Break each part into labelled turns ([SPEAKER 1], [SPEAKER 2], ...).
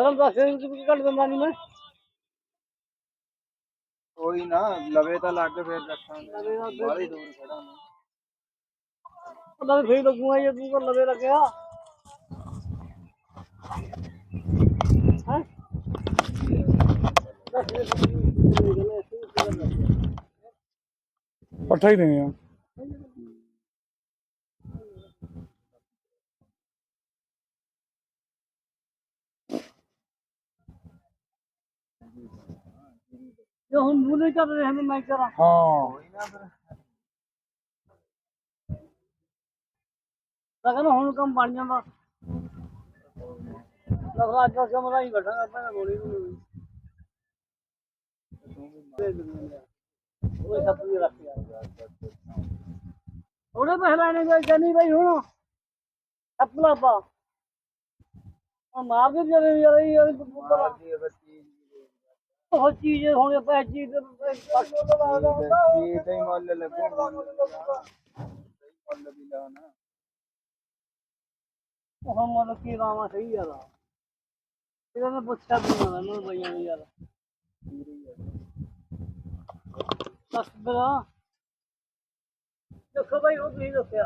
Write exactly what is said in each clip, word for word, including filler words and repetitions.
[SPEAKER 1] ਸਰਮ ਦੱਸ ਕੁਝ ਘੱਟ ਦਿੰਦਾ ਨਹੀਂ ਮੈਂ
[SPEAKER 2] ਕੋਈ ਨਾ ਲਵੇ ਤਾਂ ਲੱਗ ਫਿਰ ਰੱਖਾਂਗੇ ਬਾਹਲੀ ਦੂਰ ਖੜਾ ਮੈਂ
[SPEAKER 1] ਉਹਦਾ ਫੇਰ ਲੱਗੂਗਾ ਜੇ ਤੂੰ ਕੋਲ ਲਵੇ ਲੱਗਿਆ ਹੈ
[SPEAKER 3] ਪੱਠਾ ਹੀ ਦੇਣੇ ਆ
[SPEAKER 1] ਜੋ ਹੁਣ ਮੂਲੇ ਚੱਲ ਰਹੇ ਹਨ ਮੈਂ ਕਰਾਂ
[SPEAKER 3] ਹਾਂ
[SPEAKER 1] ਲਗਨ ਹੁਣ ਕੰਮ ਬਣ ਜਾਂਦਾ ਲਗਦਾ ਅੱਜ ਕੰਮ ਦਾ ਹੀ ਬੈਠਾ ਪਹਿਲਾਂ ਗੋਲੀ ਨੂੰ ਉਹ ਸਭ ਵੀ ਰੱਖ ਯਾਰ ਉਹਨੇ ਪਹਿਲਾਂ ਇਹਨੇ ਜਾਨੀ ਭਾਈ ਹੁਣ ਆਪਣਾ ਪਾ ਆ ਮਾਰ ਦੇ ਜਰੇ ਯਾਰ ਇਹ ਉਹ ਚੀਜ਼ ਹੁਣ ਪੈ ਚੀਜ਼
[SPEAKER 2] ਕੀ ਤੇ ਮੁੱਲ ਲੱਗੂ ਮੁੱਲ ਵੀ ਲਾਣਾ
[SPEAKER 1] ਉਹ ਮਨ ਕੀ ਰਾਮਾ ਸਹੀ ਯਾਰ ਇਹਨਾਂ ਨੇ ਪੁੱਛਿਆ ਵੀ ਨਾ ਮੈਨੂੰ ਬਈਆਂ ਨੇ ਯਾਰ ਬਸ ਬਰਾ ਦੇਖੋ ਭਾਈ ਉਹ ਤੁਸੀਂ ਦੱਸਿਆ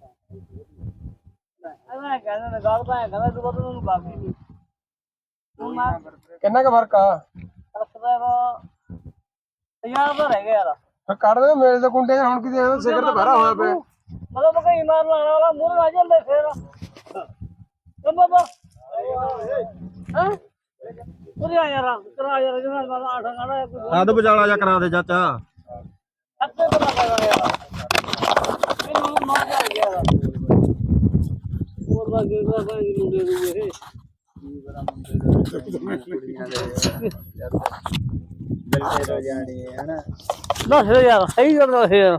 [SPEAKER 1] ਮੈਂ ਕਹਿੰਦਾ ਨਾ ਗੱਲ ਤਾਂ ਕਹਿੰਦਾ ਤੂੰ ਬਤ ਨੂੰ ਬਾਕੀ ਨਹੀਂ ਹੁਣ ਮੈਂ
[SPEAKER 3] ਕਿੰਨਾ ਕੁ ਫਰਕ ਆ
[SPEAKER 1] ਦੱਸਦਾ ਹਜ਼ਾਰ ਦਾ ਰਹਿ ਗਿਆ ਯਾਰ
[SPEAKER 3] ਫਿਰ ਕੱਢ ਦੇ ਮੇਲ ਦੇ ਕੁੰਡੇ ਹੁਣ ਕਿਤੇ ਸਿਖਰ ਤੇ ਭਰਾ ਹੋਇਆ ਪਿਆ
[SPEAKER 1] ਮਤਲਬ ਕਈ ਮਾਰ ਲਾਣ ਵਾਲਾ ਮੂਹਰੇ ਆ ਜਾਂਦੇ ਫੇਰ ਓ ਬਾਬਾ ਹਾਂ ਉਰੇ ਆ ਯਾਰ ਕਰਾ ਯਾਰ ਜਨਾ ਬਾਬਾ ਆਠ ਗਾਣਾ ਕੋਈ
[SPEAKER 2] ਆਦ ਬਜਾਲਾ ਜਾ ਕਰਾ ਦੇ ਚਾਚਾ
[SPEAKER 1] ਅੱਤੇ ਬਣਾ ਕਰ ਯਾਰ ਮੈਨੂੰ ਮਾਰ ਜਾ ਯਾਰ ਹੋਰ ਬਾਕੀ ਦਾ ਭਾਈ ਮੁੰਡੇ ਨੂੰ ਇਹ
[SPEAKER 2] ਕੀ ਬੜਾ ਮੁੰਡੇ ਕੁੜੀਆਂ ਦੇ ਜਲਦੇ ਹੋ ਜਾਣੀ ਹੈ ਨਾ
[SPEAKER 1] ਦੱਸ ਯਾਰ ਸਹੀ ਗੱਲ ਦੱਸ ਯਾਰ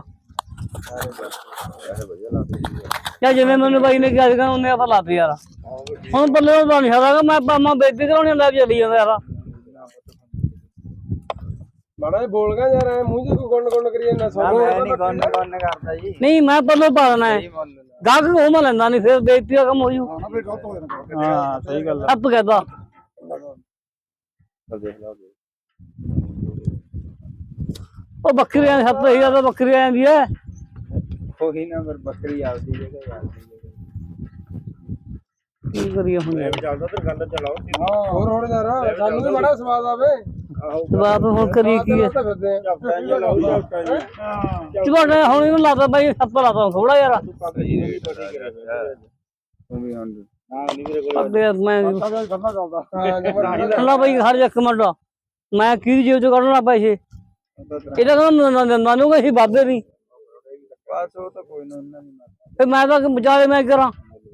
[SPEAKER 1] ਯਾ ਜਿਵੇਂ ਮੈਨੂੰ ਬਾਈ ਨੇ ਕਿਹਾ ਸੀਗਾ ਉਹਨੇ ਆਪਾਂ ਲਾਤੇ ਯਾਰ ਹੁਣ ਬੱਲੇ ਦਾ ਨਹੀਂ ਹੈਗਾ ਮੈਂ ਪਾਮਾ ਬੇਇੱਜ਼ਤੀ ਕਰਾਉਣੀ ਲੈ ਕੇ ਚੱਲੀ ਜਾਂਦਾ ਯਾਰ
[SPEAKER 3] ਮਾੜਾ ਜਿਹਾ ਬੋਲ ਗਿਆ ਯਾਰ ਐ ਮੂੰਹ ਜੇ ਕੋਈ ਗੁੰਨ ਗੁੰਨ ਕਰੀ ਜਾਂਦਾ ਸੋਨੂੰ
[SPEAKER 2] ਮੈਂ ਨਹੀਂ ਗੰਨ ਗੰਨ ਕਰਦਾ ਜੀ
[SPEAKER 1] ਨਹੀਂ ਮੈਂ ਪੱਲੇ ਪਾ ਦੇਣਾ ਹੈ ਗਾਹਕ ਉਹ ਮੈਂ ਲੈਂਦਾ ਨਹੀਂ ਫਿਰ ਬੇਇੱਜ਼ਤੀ ਦਾ ਕੰਮ ਹੋ ਜੂ
[SPEAKER 3] ਹਾਂ ਸਹੀ ਗੱਲ ਆ
[SPEAKER 1] ਅੱਪ ਕਹਦਾ ਉਹ ਬੱਕਰੀਆਂ ਸੱਤ ਹਜ਼ਾਰ ਦਾ ਬੱਕਰੀ ਆਂਦੀ ਹੈ
[SPEAKER 2] ਕੋਈ ਨਾ ਫਿਰ ਬੱਕਰੀ ਆਉਂਦੀ ਜਗ੍ਹਾ ਆਉਂਦੀ
[SPEAKER 1] ਕੀ ਕਰੀਏ ਹੁਣ
[SPEAKER 2] ਚੱਲਦਾ ਤੇ ਗੱਲ ਚਲਾਓ
[SPEAKER 3] ਹਾਂ ਹੋਰ ਹੋਰ ਯਾਰ ਸਾਨੂੰ ਵੀ ਬੜਾ ਸਵਾਦ ਆਵੇ
[SPEAKER 1] ਬਾਪ ਹੁਣ ਕਰੀ ਕੀ ਹੈ
[SPEAKER 3] ਫਿਰਦੇ
[SPEAKER 1] ਚੁਗਾੜਾ ਹੁਣ ਇਹਨੂੰ ਲਾਦਾ ਬਾਈ ਸੱਪ ਲਾਦਾ ਥੋੜਾ ਯਾਰ ਅੱਗੇ ਮੈਂ ਅੱਲਾ ਬਾਈ ਹਰ ਇੱਕ ਮਿੰਟ ਮੈਂ ਕੀ ਜੀਵ ਚ ਕੱਢਣਾ ਪੈਸੇ ਇਹਦਾ ਕਹਿੰਦਾ ਨਾਨੂ ਅਸੀਂ ਵਾਧੇ ਨਹੀਂ
[SPEAKER 2] ਬਸ ਉਹ ਤਾਂ ਕੋਈ ਨਾ ਉਹਨਾਂ ਨੂੰ
[SPEAKER 1] ਫੇ ਮੈਂ ਤਾਂ ਵਿਚਾਰੇ ਮੈਂ ਕਰਾਂ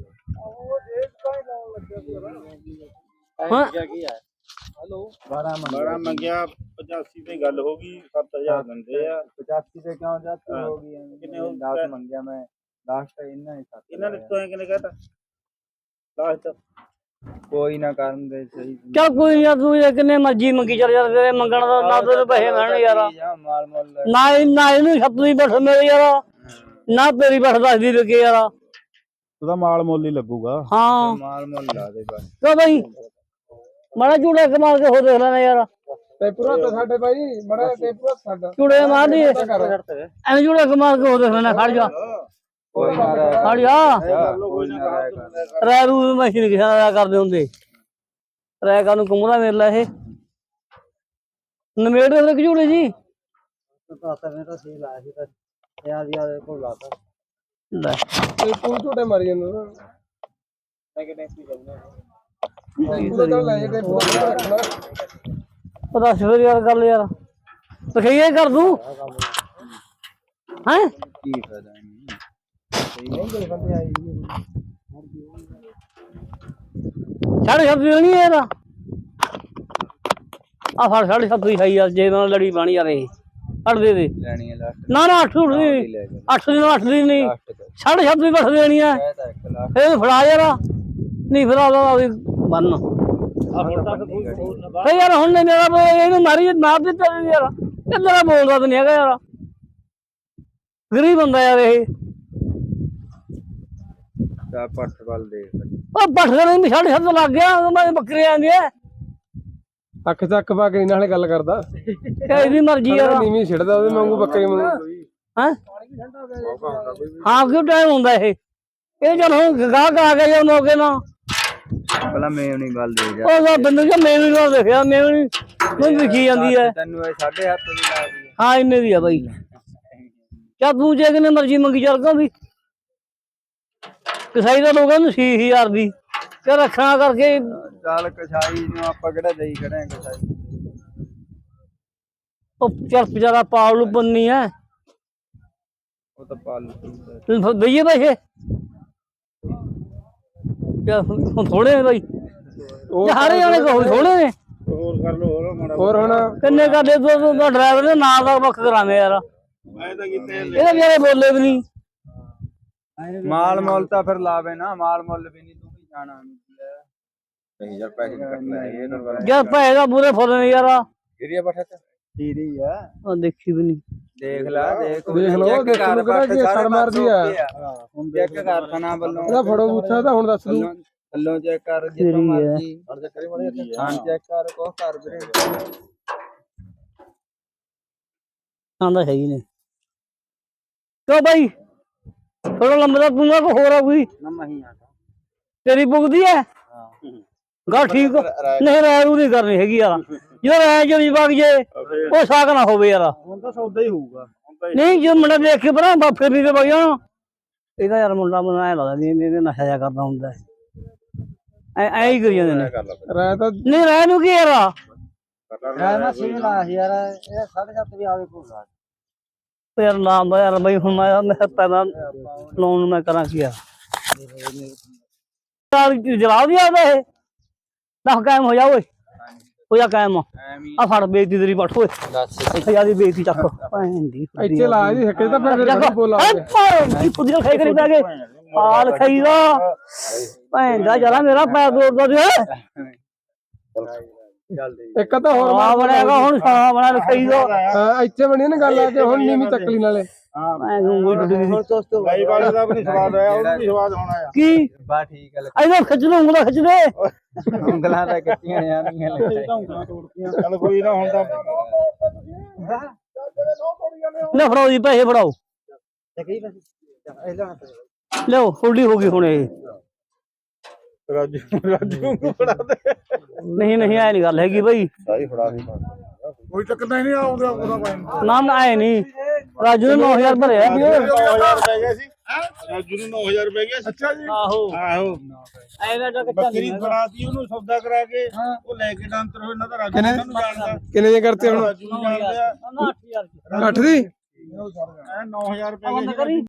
[SPEAKER 1] ਹਾਂ
[SPEAKER 2] ਕੀ ਹੈ ਹੈਲੋ ਬਾਰਾਂ ਮੰਗਿਆ ਪਚਾਸੀ ਤੇ ਗੱਲ ਹੋ ਗਈ ਸੱਤ ਹਜ਼ਾਰ ਦਿੰਦੇ ਆ ਪਚਾਸੀ ਤੇ ਕਿਉਂ ਜਾਤੀ ਹੋ ਗਈ ਕਿੰਨੇ ਹੋ ਦਸ ਮੰਗਿਆ ਮੈਂ ਲਾਸਟ ਇਹਨਾਂ ਹੀ ਸੱਤ ਇਹਨਾਂ ਨੇ ਤੋਂ ਕਿੰਨੇ ਕਹਤਾ ਲਾਸਟ ਕੋਈ ਨਾ ਕਰਨ ਦੇ ਸਹੀ
[SPEAKER 1] ਚੱਲ ਕੋਈ ਯਾਰ ਤੂੰ ਇਹ ਕਿੰਨੇ ਮਰਜੀ ਮੰਗੀ ਚੱਲ ਯਾਰ ਤੇਰੇ ਮੰਗਣ ਦਾ ਨਾ ਤੈਨੂੰ ਪੈਸੇ ਮਿਲਣ ਯਾਰ
[SPEAKER 2] ਮਾਲ ਮੁੱਲ
[SPEAKER 1] ਨਾ ਨਾ ਇਹਨੂੰ ਛੱਤ ਨਹੀਂ ਬੈਠ ਮੇਰੇ ਯਾਰ ਨਾ ਤੇਰੀ ਬੈਠ ਦੱਸਦੀ ਲੱਗੇ ਯਾਰ
[SPEAKER 2] ਉਹਦਾ ਮਾਲ ਮੁੱਲ ਹੀ ਲੱਗੂਗਾ
[SPEAKER 1] ਹਾਂ
[SPEAKER 2] ਮਾਲ ਮੁੱਲ ਲਾ ਦੇ ਬਸ
[SPEAKER 1] ਕਿਉਂ ਬਾਈ ਮਾੜਾ ਚੂੜਾ ਕਮਾਲ ਕੇ ਹੋ ਦੇਖ ਲੈਣਾ ਯਾਰ
[SPEAKER 3] ਤੇ ਪੂਰਾ ਤਾਂ ਸਾਡੇ ਬਾਈ ਬੜਾ ਤੇ ਪੂਰਾ ਸਾਡਾ
[SPEAKER 1] ਚੂੜੇ ਮਾਰ ਦੀ ਐਵੇਂ ਚੂੜਾ ਕਮਾਲ ਕੇ ਹੋ ਦੇਖ ਲੈਣਾ ਖੜ ਜਾ
[SPEAKER 2] ਕੋਈ ਨਾ
[SPEAKER 1] ਖੜ ਜਾ
[SPEAKER 2] ਕੋਈ ਨਾ
[SPEAKER 1] ਰਹਿ ਰੂ ਮਸ਼ੀਨ ਕਿਸੇ ਨਾਲ ਕਰਦੇ ਹੁੰਦੇ ਰਹਿ ਕਾ ਨੂੰ ਕੁੰਮਦਾ ਮੇਰੇ ਲਾ ਇਹ ਨਵੇੜ ਦੇ ਫਿਰ ਝੂੜੇ ਜੀ
[SPEAKER 2] ਮੈਂ ਤਾਂ ਸਹੀ ਲਾਇਆ ਸੀ ਤਾਂ ਯਾਰ ਯਾਰ ਕੋਲ ਲਾਤਾ
[SPEAKER 1] ਲੈ
[SPEAKER 3] ਤੇ ਤੂੰ ਝੂਟੇ ਮਾਰੀ ਜਾਂਦਾ ਨਾ
[SPEAKER 2] ਮੈਂ ਕਿਤੇ ਕੀ ਕਰਨਾ
[SPEAKER 3] ਪੂਰਾ ਤਾਂ ਲੈ ਜੇ ਪੂਰਾ ਰੱਖਣਾ
[SPEAKER 1] ਪਤਾ ਫਿਰ ਯਾਰ ਗੱਲ ਯਾਰ ਤਖਈਏ ਕਰ ਦੂੰ ਹੈ
[SPEAKER 2] ਕੀ ਫਾਇਦਾ ਨਹੀਂ ਸਹੀ ਨਹੀਂ ਕੋਈ ਬੰਦੇ ਆਈ
[SPEAKER 1] ਸਾਢੇ ਸੱਤ ਨਹੀਂ ਇਹਦਾ ਆ ਫੜ ਸਾਢੇ ਸੱਤ ਹੀ ਖਾਈ ਯਾਰ ਜੇ ਨਾਲ ਲੜੀ ਬਣੀ ਯਾਰ ਇਹ ਫੜ ਦੇ ਦੇ
[SPEAKER 2] ਲੈਣੀ ਹੈ ਲਾਸਟ
[SPEAKER 1] ਨਾ ਨਾ ਅੱਠ ਉੱਠਦੀ ਅੱਠ ਦੀ ਅੱਠ ਦੀ ਨਹੀਂ ਸਾਢੇ ਸੱਤ ਵੀ ਬਸ ਦੇਣੀ ਆ ਇਹ ਫੜਾ ਯਾਰ ਨਹੀਂ ਫਿਰ ਆਦਾ ਵੀ ਬੰਨ ਫੇ ਯਾਰ ਹੁਣ ਨੇ ਮੇਰਾ ਇਹਨੂੰ ਮਾਰੀ ਮਾਰ ਦਿੱਤਾ ਯਾਰ ਕਿੰਨਾ ਬੋਲਦਾ ਤਾਂ ਨਹੀਂ ਹੈਗਾ ਯਾਰ ਗਰੀਬ ਬੰਦਾ ਯਾਰ ਇਹ
[SPEAKER 2] ਪੱਠ ਵੱਲ ਦੇਖ
[SPEAKER 1] ਉਹ ਪੱਠ ਦੇ ਨਹੀਂ ਸਾਢੇ ਸੱਤ ਲੱਗ ਗਿਆ ਮੈਂ ਬੱਕਰੀ ਆਂਦੀ ਐ
[SPEAKER 3] ਅੱਖ ਚੱਕ ਪਾ ਕੇ ਇਹਨਾਂ ਨਾਲੇ ਗੱਲ ਕਰਦਾ
[SPEAKER 1] ਇਹਦੀ ਮਰਜ਼ੀ ਯਾਰ
[SPEAKER 3] ਨੀਵੀਂ ਛਿੜਦਾ ਉਹਦੇ ਵਾਂਗੂ ਬੱਕਰੀ ਵਾਂਗੂ
[SPEAKER 1] ਹੈ ਹਾਂ ਕਿਉਂ ਟਾਈਮ ਹੁੰਦਾ ਇਹ ਇਹ ਜਦ ਹੁਣ ਗਾਹ ਆ ਗਿਆ ਜਾਂ ਮੌਕੇ ਨਾਲ
[SPEAKER 2] ਪਹਿਲਾਂ ਮੈਂ ਨਹੀਂ ਗੱਲ ਦੇ ਜਾ
[SPEAKER 1] ਉਹ ਬੰਦੇ ਜੋ ਮੈਨੂੰ ਨਾ ਦੇਖਿਆ ਮੈਨੂੰ ਮੈਨੂੰ ਦਿਖੀ ਜਾਂਦੀ ਹੈ
[SPEAKER 2] ਤੈਨੂੰ ਇਹ ਸਾਢੇ ਹੱਥ ਦੀ ਲਾ ਦੀ
[SPEAKER 1] ਹਾਂ ਇੰਨੇ ਦੀ ਆ ਬਾਈ ਕਿਆ ਤੂੰ ਜੇ ਕਿਨੇ ਮਰਜ਼ੀ ਮੰਗੀ ਚੱਲ ਕੋ ਵੀ ਕਸਾਈ ਦਾ ਲੋਕਾਂ ਨੂੰ ਛੇ ਹਜ਼ਾਰ ਦੀ ਤੇ ਰੱਖਣਾ ਕਰਕੇ
[SPEAKER 2] ਚੱਲ ਕਸਾਈ ਨੂੰ ਆਪਾਂ ਕਿਹੜਾ ਦੇਈ ਖੜੇ ਕਸਾਈ
[SPEAKER 1] ਉਹ ਚੱਲ ਵਿਚਾਰਾ ਪਾਲ ਨੂੰ ਬੰਨੀ ਹੈ
[SPEAKER 2] ਉਹ ਤਾਂ ਪਾਲ
[SPEAKER 1] ਦਈਏ ਪੈਸੇ ਹੁਣ ਥੋੜੇ ਨੇ ਬਾਈ ਸਾਰੇ ਜਾਣੇ ਕਹੋ ਥੋੜੇ ਨੇ
[SPEAKER 2] ਹੋਰ ਕਰ ਲੋ ਹੋਰ ਮਾੜਾ
[SPEAKER 3] ਹੋਰ ਹੁਣ
[SPEAKER 1] ਕਿੰਨੇ ਕਰ ਦੇ ਦੋ ਡਰਾਈਵਰ ਦੇ ਨਾਂ ਦਾ ਵੱਖ ਕਰਾਵੇਂ ਯਾਰ
[SPEAKER 2] ਮੈਂ ਤਾਂ ਕਿਤੇ
[SPEAKER 1] ਇਹਦੇ ਵਿਚਾਰੇ ਬੋਲੇ ਵੀ ਨਹੀਂ
[SPEAKER 2] ਮਾਲ ਮੁੱਲ ਤਾਂ ਫਿਰ ਲਾਵੇ ਨਾ ਮਾਲ ਮੁੱਲ ਵੀ ਨਹੀਂ ਤੂੰ ਵੀ ਜਾਣਾ ਨਹੀਂ ਯਾਰ ਪੈਸੇ ਕੱਟਣਾ ਇਹ ਨਾ
[SPEAKER 1] ਯਾਰ ਪੈਸੇ ਦਾ ਬੁਰੇ ਫੁੱਲ ਨੇ ਯਾਰ
[SPEAKER 2] ਏਰੀਆ ਬਠਾ ਤੇ ਠੀਕ ਆ
[SPEAKER 1] ਉਹ ਦੇਖੀ ਵੀ ਨਹੀਂ
[SPEAKER 2] ਦੇਖ ਲੈ ਦੇਖ
[SPEAKER 3] ਦੇਖ ਲਓ ਦੇਖਣ ਨੂੰ ਕਿਹੜਾ ਕੀ ਸੜ ਮਾਰਦੀ ਆ
[SPEAKER 2] ਹੁਣ ਚੈੱਕ ਕਾਰਖਾਨਾ ਵੱਲੋਂ
[SPEAKER 3] ਇਹਦਾ ਫੜੋ ਬੂਥਾ ਤਾਂ ਹੁਣ ਦੱਸ ਦੂ
[SPEAKER 2] ਥੱਲੋਂ ਚੈੱਕ ਕਰ ਜਿੱਥੋਂ ਮਰਜੀ ਹਾਂ ਚੈੱਕ ਕਰ ਕੋ ਕਰ ਵੀਰੇ
[SPEAKER 1] ਆਂਦਾ ਹੈ ਹੀ ਨੇ ਕਿਉਂ ਬਾਈ ਥੋੜਾ ਲੰਬਾ ਤੂੰ ਨਾ ਕੋ ਹੋਰ ਆ ਕੋਈ
[SPEAKER 2] ਨਮਾ ਹੀ ਆ
[SPEAKER 1] ਤੇਰੀ ਬੁਗਦੀ ਹੈ ਗਾ ਠੀਕ ਨਹੀਂ ਰਾਇ ਨਹੀਂ ਕਰਨੀ ਹੈਗੀ ਯਾਰ ਜਦੋਂ ਰਾਇ ਜੋ ਵਗ ਜੇ ਉਹ ਸਾਕ ਨਾ ਹੋਵੇ ਯਾਰ
[SPEAKER 2] ਹੁਣ ਤਾਂ ਸੌਦਾ ਹੀ ਹੋਊਗਾ
[SPEAKER 1] ਨਹੀਂ ਜੋ ਮੁੰਡਾ ਦੇਖ ਕੇ ਪਰਾਂ ਬਾਫੇ ਵੀ ਤੇ ਵਗ ਜਾਣਾ ਇਹਦਾ ਯਾਰ ਮੁੰਡਾ ਮੈਨੂੰ ਐ ਲੱਗਦਾ ਨਹੀਂ ਇਹਨੇ ਨਸ਼ਾ ਜਿਹਾ ਕਰਦਾ ਹੁੰਦਾ ਐ ਐ ਹੀ ਕਰੀ ਜਾਂਦੇ ਨੇ
[SPEAKER 3] ਰਾਇ ਤਾਂ
[SPEAKER 1] ਨਹੀਂ ਰਾਇ ਨੂੰ ਕੀ ਯਾਰ
[SPEAKER 2] ਰਾਇ ਨਾ ਸੀ ਲਾ ਯਾਰ ਇਹ ਸਾਢੇ ਸੱਤ ਵੀ ਆਵੇ ਕੋਲ
[SPEAKER 1] ਯਾਰ ਨਾਮ ਯਾਰ ਬਈ ਹੁਣ ਮੈਂ ਮੈਂ ਪੈਦਾ ਲੋਨ ਨੂੰ ਮੈਂ ਕਰਾਂ ਕੀ ਯਾਰ ਜਲਾਬ ਵੀ ਆਦਾ ਇਹ ਦਸ ਕਾਇਮ ਹੋ ਜਾ ਓਏ ਹੋ ਜਾ ਕਾਇਮ ਆ ਫੜ ਬੇਇੱਜ਼ਤੀ ਤੇਰੀ ਪੱਠ ਓਏ ਹਜ਼ਾਰ ਦੀ ਬੇਇੱਜ਼ਤੀ ਚੱਕ ਭੈਣ ਦੀ
[SPEAKER 3] ਇੱਥੇ ਲਾ ਜੀ ਹੱਕੇ ਤਾਂ ਫਿਰ ਮੇਰੇ ਬੋਲਾ
[SPEAKER 1] ਕੀ ਪੁੱਜੇ ਖਾਈ ਕਰੀ ਪੈ ਗਏ ਹਾਲ ਖਾਈਦਾ ਭੈਣ ਦਾ ਜਰਾ ਮੇਰਾ ਪੈਰ ਤੋੜਦਾ ਜੇ
[SPEAKER 3] ਇੱਕ ਤਾਂ ਹੋਰ
[SPEAKER 1] ਆ ਬਣੇਗਾ ਹੁਣ ਸਾਹ ਬਣਾ ਲਿਖਾਈਦਾ
[SPEAKER 3] ਹਾਂ ਇੱਥੇ ਬਣੀ ਨਾ ਗੱਲ ਆ ਕੇ ਹੁਣ ਨੀਵੀਂ ਤੱਕਲੀ ਨਾਲੇ
[SPEAKER 1] ਮੈਂ ਉਂਗਲ ਟੁੱਟ ਗਈ
[SPEAKER 2] ਦੋਸਤੋ ਬਾਈ ਵਾਲੇ ਦਾ ਵੀ ਸਵਾਦ ਆਇਆ ਉਹਨੂੰ ਵੀ ਸਵਾਦ ਹੋਣਾ ਆ
[SPEAKER 1] ਕੀ
[SPEAKER 2] ਬਾ ਠੀਕ ਹੈ
[SPEAKER 1] ਇਹਦਾ ਖਿੱਚ ਲੋ ਉਂਗਲਾਂ ਖਿੱਚ ਦੇ
[SPEAKER 2] ਉਂਗਲਾਂ ਤਾਂ ਕੱਟੀਆਂ ਜਾਣੀਆਂ ਚੱਲ ਕੋਈ ਨਾ ਹੁਣ ਤਾਂ
[SPEAKER 1] ਲੈ ਫੜਾਓ ਜੀ ਪੈਸੇ ਫੜਾਓ ਲਿਓ ਫੁੱਲੀ ਹੋ ਗਈ ਹੁਣ ਇਹ
[SPEAKER 2] ਰਾਜੂ ਰਾਜੂ ਨੂੰ ਫੜਾ ਦੇ
[SPEAKER 1] ਨਹੀਂ ਨਹੀਂ ਐ ਨਹੀਂ ਗੱਲ ਹੈਗੀ ਬਈ
[SPEAKER 2] ਸਾਈ ਫੜਾ ਦੇ ਕੋਈ ਚੱਕਰ ਨਹੀਂ ਆਉਂਦਾ ਉਹਦਾ ਕੋਈ
[SPEAKER 1] ਨਾਮ ਆਏ ਨਹੀਂ ਰਾਜੂ ਨੇ ਨੌ ਹਜ਼ਾਰ ਭਰਿਆ
[SPEAKER 2] ਨੌ ਹਜ਼ਾਰ ਪੈ ਗਿਆ ਸੀ ਰਾਜੂ ਨੂੰ ਨੌ ਹਜ਼ਾਰ ਪੈ ਗਿਆ ਸੀ ਅੱਛਾ ਜੀ
[SPEAKER 1] ਆਹੋ
[SPEAKER 2] ਆਹੋ
[SPEAKER 1] ਐਵੇਂ ਤਾਂ
[SPEAKER 2] ਬੱਕਰੀ ਫੜਾਤੀ ਉਹਨੂੰ ਸੌਦਾ ਕਰਾ ਕੇ ਉਹ ਲੈ ਕੇ ਡਾਂਤਰ ਹੋਏ ਨਾ ਤਾਂ ਰਾਜੂ ਨੂੰ ਜਾਣਦਾ
[SPEAKER 3] ਕਿੰਨੇ ਜੇ ਕਰਤੇ ਹੁਣ
[SPEAKER 2] ਰਾਜੂ ਨੂੰ ਜਾਣਦੇ ਆ
[SPEAKER 1] ਅੱਠ ਹਜ਼ਾਰ
[SPEAKER 3] ਅੱਠ ਦੀ
[SPEAKER 2] ਨੌ ਹਜ਼ਾਰ ਪੈ ਗਿਆ ਸੀ